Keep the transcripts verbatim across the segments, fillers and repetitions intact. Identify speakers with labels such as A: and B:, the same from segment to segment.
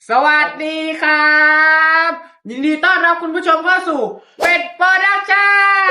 A: สวัสดีครับยินดีต้อนรับคุณผู้ชมเข้าสู่เป็ดโปรดักชั่น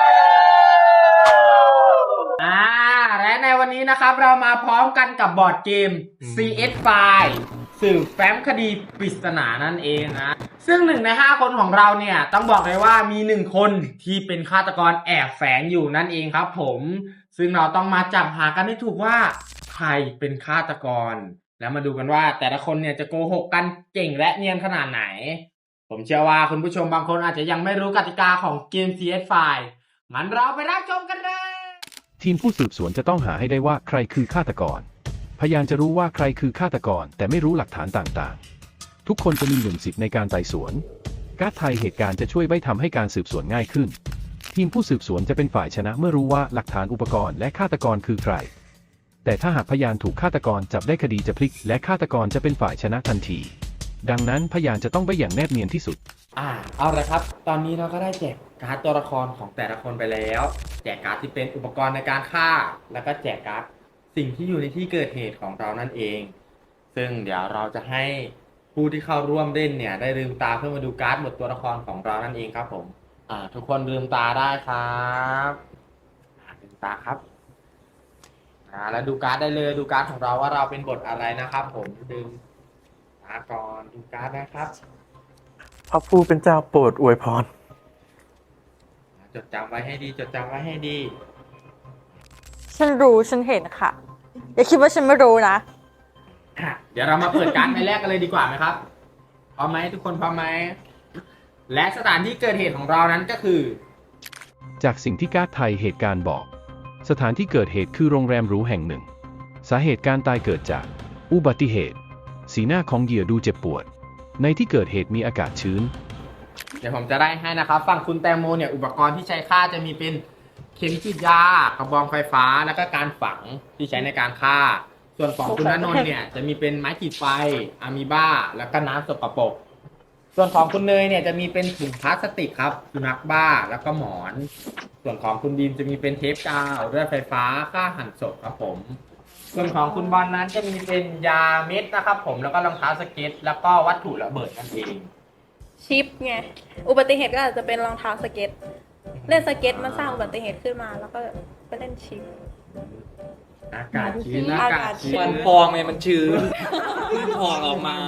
A: อ่าและในวันนี้นะครับเรามาพร้อมกันกับบอร์ดเกม ซี เอส ไฟว์ สืบแฟ้มคดีปริศนานั่นเองนะซึ่งหนึ่งในห้าคนของเราเนี่ยต้องบอกเลยว่ามีหนึ่งคนที่เป็นฆาตกรแอบแฝงอยู่นั่นเองครับผมซึ่งเราต้องมาจับหากันให้ถูกว่าใครเป็นฆาตกรแล้วมาดูกันว่าแต่ละคนเนี่ยจะโกหกกันเก่งและเนียนขนาดไหนผมเชื่อว่าคุณผู้ชมบางคนอาจจะยังไม่รู้กติกาของเกม ซี เอส ไฟว์ งั้นเราไปรับชมกันเลย
B: ทีมผู้สืบสวนจะต้องหาให้ได้ว่าใครคือฆาตกรพยานจะรู้ว่าใครคือฆาตกรแต่ไม่รู้หลักฐานต่างๆทุกคนจะมีหนึ่งสิทธิ์ในการไต่สวนการ์ดไทยเหตุการณ์จะช่วยไว้ทำให้การสืบสวนง่ายขึ้นทีมผู้สืบสวนจะเป็นฝ่ายชนะเมื่อรู้ว่าหลักฐานอุปกรณ์และฆาตกรคือใครแต่ถ้าหากพยานถูกฆาตกรจับได้คดีจะพลิกและฆาตกรจะเป็นฝ่ายชนะทันทีดังนั้นพยานจะต้องไปอย่างแนบเนียนที่สุด
A: อ่าเอาละครับตอนนี้เราก็ได้แจกการ์ดตัวละครของแต่ละคนไปแล้วแจกการ์ดที่เป็นอุปกรณ์ในการฆ่าแล้วก็แจกการ์ดสิ่งที่อยู่ในที่เกิดเหตุของเรานั่นเองซึ่งเดี๋ยวเราจะให้ผู้ที่เข้าร่วมเล่นเนี่ยได้ลืมตาเพื่อมาดูการ์ดหมดตัวละครของเรานั่นเองครับผมอ่าทุกคนลืมตาได้ครับลืมตาครับอ่าแล้วดูการ์ดได้เลยดูการ์ดของเราว่าเราเป็นบทอะไรนะครับผมลืมตาก่อนดูการ์ดนะครับ
C: พระผู้เป็นเจ้าโปรดอวยพร
A: จดจำไว้ให้ดีจดจำไว้ให้ดี
D: ฉันรู้ฉันเห็นค่ะ อย่าคิดว่าฉันไม่รู้นะ
A: เดี๋ยวเรามาเปิดการ์ดใบแรกกันเลยดีกว่าไหมครับพร้อมไหมทุกคนพร้อมไหมและสถานที่เกิดเหตุของเรานั้นก็คือ
B: จากสิ่งที่การ์ดไทยเหตุการณ์บอกสถานที่เกิดเหตุคือโรงแรมหรูแห่งหนึ่งสาเหตุการตายเกิดจากอุบัติเหตุสีหน้าของเหยื่อดูเจ็บปวดในที่เกิดเหตุมีอากาศชื้น
A: เดี๋ยวผมจะได้ให้นะครับฝั่งคุณแตงโมเนี่ยอุปกรณ์ที่ใช้ฆ่าจะมีเป็นเข็มฉีดยากระบองไฟฟ้าแล้วก็การฝังที่ใช้ในการฆ่าส่วนของคุณณนนท์เนี่ยจะมีเป็นไม้ขีดไฟอะมีบ้าแล้วก็น้ำสกปรกส่วนของคุณเนยเนี่ยจะมีเป็นถุงพลาสติกครับสุนัขบ้าแล้วก็หมอนส่วนของคุณดีมจะมีเป็นเทปกาวเลือดไฟฟ้าฆ่าหั่นศพครับผมส่วนของคุณบอลนั้นจะมีเป็นยาเม็ดนะครับผมแล้วก็รองเท้าสเก็ตแล้วก็วัตถุระเบิดนั่นเอง
D: ชิปไง อุบัติเหตุก็อาจจะเป็นรองเท้าสเก็ต เล่นสเก็ตมันสร้างอุบัติเหตุขึ้นมาแล้วก็ไปเล่นชิป
A: อากาศชื้นอากาศชื้น
E: มันพองไงมันชื้นมันพองออกมา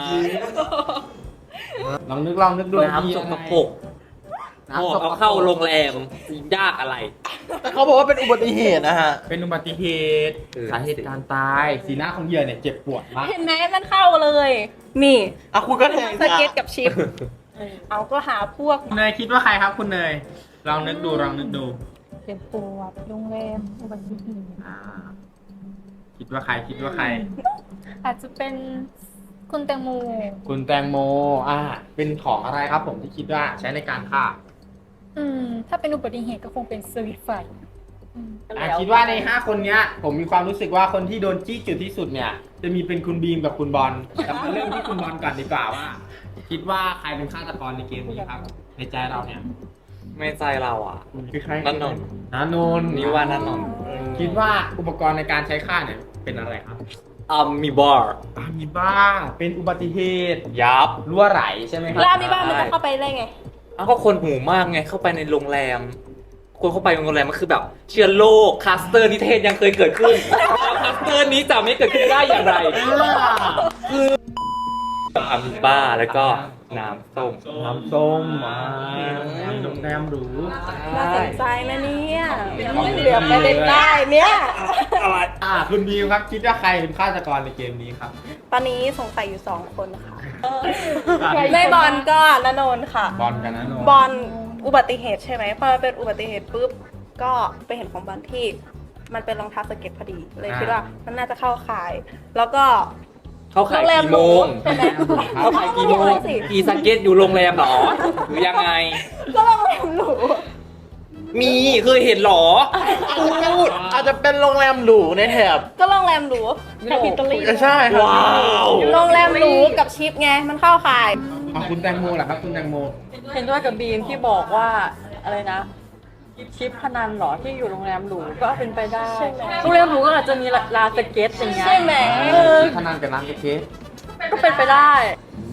A: ลองนึกลองนึกดู
E: น้ำสกปรกพอเอาเข้าโรงแรมยากอะไร
C: แต่เขาบอกว่าเป็นอุบัติเหตุนะฮะ
A: เป็นอุบัติเหตุสาเหตุการตายสีหน้าของเหยื่อเนี่ยเจ็บปวดมาก
D: เห็นไหมมันเข้าเลย นี่
C: อ่ะคุณก็แทง
D: สเก็ตกับชิป เอาก็หาพวก
A: เนยคิดว่าใครครับคุณเนยลองนึกดูลองนึกดู
F: เจ็บปวดโรงแรมอุบัติเหตุ
A: อ่าคิดว่าใครคิดว่าใคร
F: อาจจะเป็นคุณแตงโม
A: คุณแตงโมอ่าเป็นของอะไรครับผมที่คิดว่าใช้ในการฆ่า
F: อืมถ้าเป็นอุบัติเหตุก็คงเป็นสวิตช์ไฟ
A: อ่าคิดว่าในห้าคนเนี้ยผมมีความรู้สึกว่าคนที่โดนจี้จุดที่สุดเนี่ยจะมีเป็นคุณบีมกับคุณบอลเรามาเริ่มที่คุณบอลก่อนดีกว่าว่าคิดว่าใครเป็นฆาตกรในเกมนี้ครับในใจเราเนี่ย
E: ไม่ใจเราอ่ะ
A: คือใคร
E: นันนน
A: นันนน
E: นี่ว่านันนน
A: คิดว่าอุปกรณ์ในการใช้ฆ่าเนี่ยเป็นอะไรครับ
E: อ่ามีบาร์
A: อ่ามีบ้าเป็นอุบัติเหตุ
E: ยับ
A: รั่วไหลใช่ไหมครับ
D: แล้วมีบ้ามันจะเข้าไปได้ไง
E: อ้าวก็คนหมู่มากไงเข้าไปในโรงแรมคนเข้าไปโรงแรมมันคือแบบเชื้อโรคคลัสเตอร์นิเทศยังเคยเกิดขึ้นคลัสเตอร์นี้จะไม่เกิดขึ้นได้อย่างไรคืออามีบ้าแล้วก็น้ำส้ม
A: น้ำส้มอ่าโรงแรมหรู
D: น่าสนใจนะเนี่ยเหลือไปเล่นได้เนี่ย
A: อะไรอ่าคุณบีมครับคิดว่าใครเป็นฆาตกรในเกมนี้ครับ
D: ตอนนี้สงสัยอยู่สองคนค่ะไม่บอลก็ณนนท์ค่ะ
A: บอลกันณนนท์
D: บอลอุบัติเหตุใช่ไหมพอเป็นอุบัติเหตุปุ๊บก็ไปเห็นของบอลที่มันเป็นรองเท้าสเก็ตพอดีเลยคิดว่ามันน่าจะเข้าข่ายแล้วก็
E: เขาขายกี่โมงเขาขายกี่โมงกี่สเก็ตอยู่โรงแรมหรอหรือยังไง
D: ก็โรงแรมหรู
E: มีเคยเห็นหรอ
C: พูดอาจจะเป็นโรงแรมหรูในแถบ
D: ก็โรงแรมหรู
F: แถบอิตาลี
C: ใช่ครับว้
E: าว
D: โรงแรมหรูกับชิปไงมันเข้าข่าย
A: ของคุณแตงโมเหรอครับคุณแตงโม
F: เห็นด้วยกับบีมที่บอกว่าอะไรนะชิปพนันหรอที่อยู่โรงแรมหรูก็เป็นไปได้โรงแรมหรูก็อาจจะมีลานสเก็ตอย่างเงี้ย
D: ใช่ไหม
A: พนันกับร้านสเก็ต
F: ก็เป็นไปได้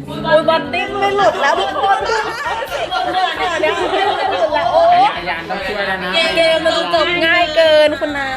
D: อุ้ยบอลดิ้นไม่หลุดแล้วทุกคนเนี่ยเนี่ยดิ้นไม่หลุดแล้วโอ้
A: พยานต้องช่วยแล้วนะ
D: เกมมันจบง่ายเกินคุณน้า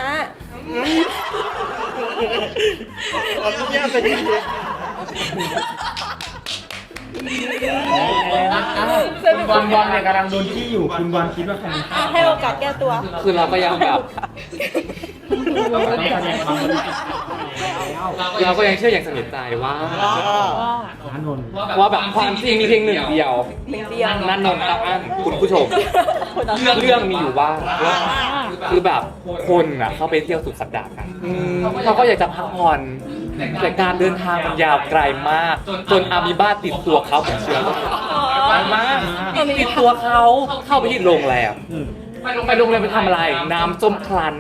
A: คุณบอลบอลเนี่ยกำลังโดนขี้อยู่คุณบอลคิดว่าใครเป็นฆาตกร
D: ให้โอกาสแก้ตัว
E: คือเราก็ยังแบบ
A: เราต้องแสดงความบริสุทธิ์
E: เราก็ยังเชื่ออย่างสนิทใจว่า
A: อานนท์
E: ว่าแบบความจริงมีเพียงหนึ่งเดียว
D: หนึ่งเดียว
E: นั่นนนท์ครับอันคุณผู้ชม เรื่องเรื่องมีอยู่ว่า คือแบบคนอ่ะเข้าไปเที่ยวสุดสัปดาห์กันเขาก็อยากจะพักผ่อนแต่การเดินทางมันยาวไกลมาก จนอามีบ้าติดตัวเขาเหมือนเชื้อโรคไกลมากติดตัวเขาเข้าไปที่โรงแรมไปโรงแรมไปทำอะไร น้ำส้มคลั้น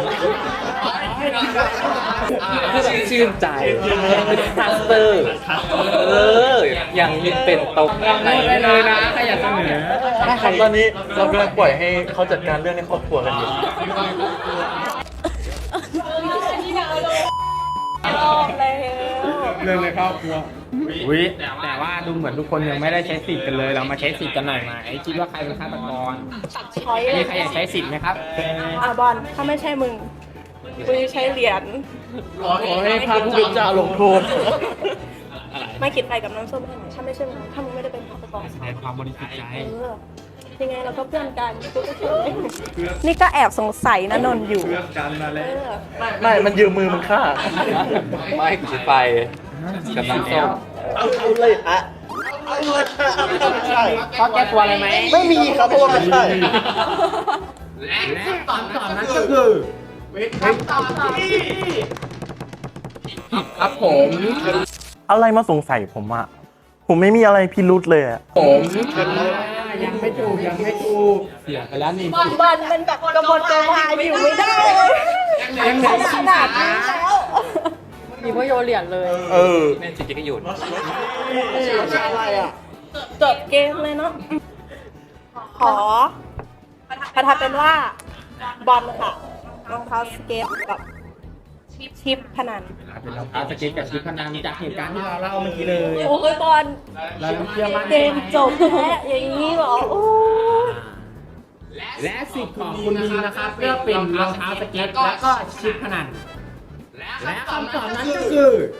E: เพื่อแบบชื่นใจเป็นคลัสเตอร์ เออ อย่างนี้เป็นโต๊ะไหน
A: ได้เลยนะใครอยากเสนอ
C: ได้ครับตอนนี้เรากำลังปล่อยให้เขาจัดการเรื่องในครอบครัวกันอยู่
D: รอบแล้ว
A: เรื่องในครอบครัววิแต่ว่าดูเหมือนทุกคนยังไม่ได้ใช้สิทธิ์กันเลย เรามาใช้สิทธิ์กันหน่อยไหมคิดว่าใครเป็นฆาตกร
D: ตัดช้อยเล
A: มี
D: ย
A: ใครอยากใช้สิทธิ์ไหมครับ
D: อ่ะบอลถ้าไม่ใช่มึงกูจะใช้เหรียญ
C: ขอให้พระผู้เป็นเจ้าลงโทษ
D: ไม่คิดไปกับน้ำส้มให้หน่อยถ้าไม่ใช่มึงถ้ามึงไม่ได้เป็นฆาตกร
A: แสดงความบริสุทธิ์ใจ
D: เออยังไงเราก็เพื่อนกันนี่ก็แอบสงสัยนะนนท์อยู่
A: เลือกกันมา
D: เอ
A: แล้ว
D: อ
C: ไม่ มันยืมมือมันฆ่า
E: ไม่คือไปกับน้ำส้ม
C: เอาเอาเลยอะเอาเลยอะไม่ใช่
A: เขาแก้ตัวอะไรไหม
C: ไม่มีครับเพราะว่าไม่ใช่
A: และตอนตอบนั้นก็คือเป็นคำตอบที่ครับผม
C: อะไรมาสงสัยผมอะผมไม่มีอะไรพิรุษเลยอะ
A: ผมยังไม่ถูกยังไม่ถูกเสียไปแล้วนี่
D: บอลบอลมันแบบกระบวนการวายอยู่ไม่ได้เลย
A: ยังเหลือ
D: ขนาดนี้แล้ว
F: มีพ่อโยนเหรียญเลย
C: เออ
E: แม่จริงๆก็หยุด
C: อะไรอะ
D: จบเกมเลยเนาะขอประทับเป็นว่าบอลค่ะรองเท้าสเก็ตกับชิปพนัน
A: เป็นรองเท้าสเก็ตกับชุดพนันจากเหตุการณ์ที่เราเล่าเมื่อกี้เลย
D: โอ้ยบอล
A: เราเชื่อมั่น
D: เกมจบแล้วอย่างนี้เหรอโอ้ย
A: และสิทธิ์ของคุณบีนะครับเลือกเป็นรองเท้าสเก็ตแล้วก็ชุดพนันและคำตอบนั้นก็คือ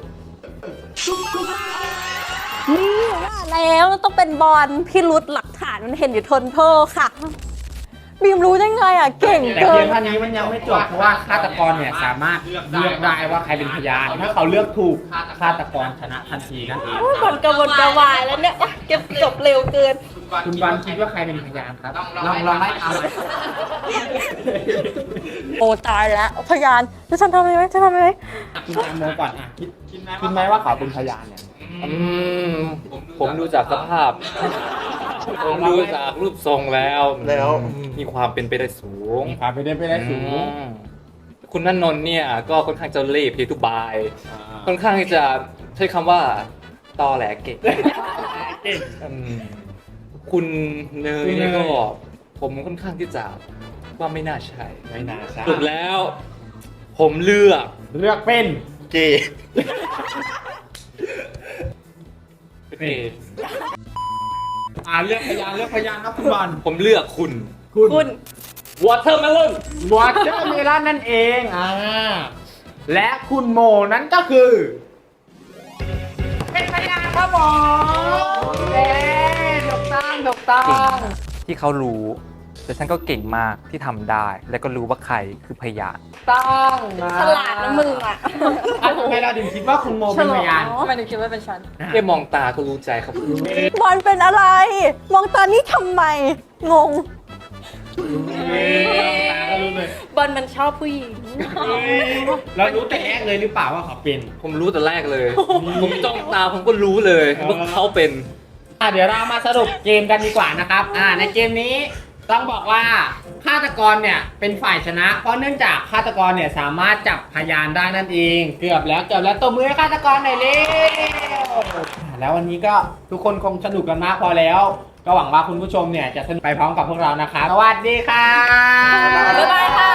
D: นี่ว่าแล้วต้องเป็นบอลพี่รุดหลักฐานมันเห็นอยู่ทนโทษค่ะ
F: บีมรู้ได้ไงอ่ะ เก่ง
A: แต่
F: เกิ
A: เพีย
F: น
A: งเท่านี้มันยังไม่จบเพราะว่าฆาตกรเนี่ยสามารถเลือกได้ว่าใครเป็นพยาน ถ้าเขาเลือกถูกฆาตกรชนะทันทีนั่นเอง
D: โอ้ยบอลกระวนกระวายแล้วเนี่ยโอ๊ยเก็บจบเร็วเกิน
A: คุณบันคิดว่าใครเป็นพยานครับลองลองไล่ตามหน่อย
F: โอ้ตายแล้วพยานจะฉันทำอะไรไหมจะทำอะไรไหม
A: คุณแตงโมก่อนอ่ะคิดคิดไหมว่าเขาเป็นพยานเนี่ย
E: อืมผมดูจากสภาพ ผมดูจากรูปทรงแล้ว
C: แล้ว
E: มีความเป็นไปได้สูง
A: มีความไปได้ไปได้สูง
E: อืมคุณนันนนท์เนี่ยก็ค่อนข้างจะเล่ห์เพทุบาย ค่อนข้างที่จะใช้คำว่าตอแหลเก่งอืมคุณเนยเนี่ยก็ผมค่อนข้างที่จะว่าไม่น่าใช่
A: ไม่น่าใช่
E: สรุปแล้ว ผมเลือก
A: เลือกเป็น
C: เกย์
E: เอ
A: อ่าเลือกพยานเลือกพยานครับคุณบอล
E: ผมเลือกคุณ
A: คุณ
D: คุณ
E: Watermelon
A: วอเตอร์เมลอนนั่นเองอ่าและคุณโมนั้นก็คือ เป็นพยานครับผมเย้ถูกต้องถูกต้อง
E: ที่เขารู้ แต่ฉันก็เก่งมากที่ทำได้ และก็รู้ว่าใครคือพยาน
A: ต้องนะ
D: ฉลาดนะมึงอ่ะ
A: อ่ะทำไมเราถึงคิดว่าคุณโมเป็นพยาน
F: ทำไมถึงคิดว่าเป็นฉัน
E: แค่มองตาก็รู้ใจครับ
F: บอลเป็นอะไร มองตานี้ทำไม งง
A: เฮ้ยตาก็รู้เลย
D: บอลมันชอบผู้หญิง
A: เรารู้แต่แรกเลยหรือเปล่าว่าเขาเป็น
E: ผมรู้แต่แรกเลย ผมจ้องตาผมก็รู้เลยว่าเขาเป็น
A: อ่ะเดี๋ยวเรามาสรุปเกมกันดีกว่านะครับ อ่าในเกมนี้ต้องบอกว่าฆาตกรเนี่ยเป็นฝ่ายชนะ เพราะเนื่องจากฆาตกรเนี่ยสามารถจับพยานได้นั่นเอง เกือบแล้วเกือบแล้วตบมือให้ฆาตกรหน่อยเร็วอ่ะแล้ววันนี้ก็ทุกคนคงสนุกกันมากพอแล้ว ก็หวังว่าคุณผู้ชมเนี่ยจะสนุกไปพร้อมกับพวกเรานะครับ สวัสดีค่ะ
D: บ๊ายบายค่ะ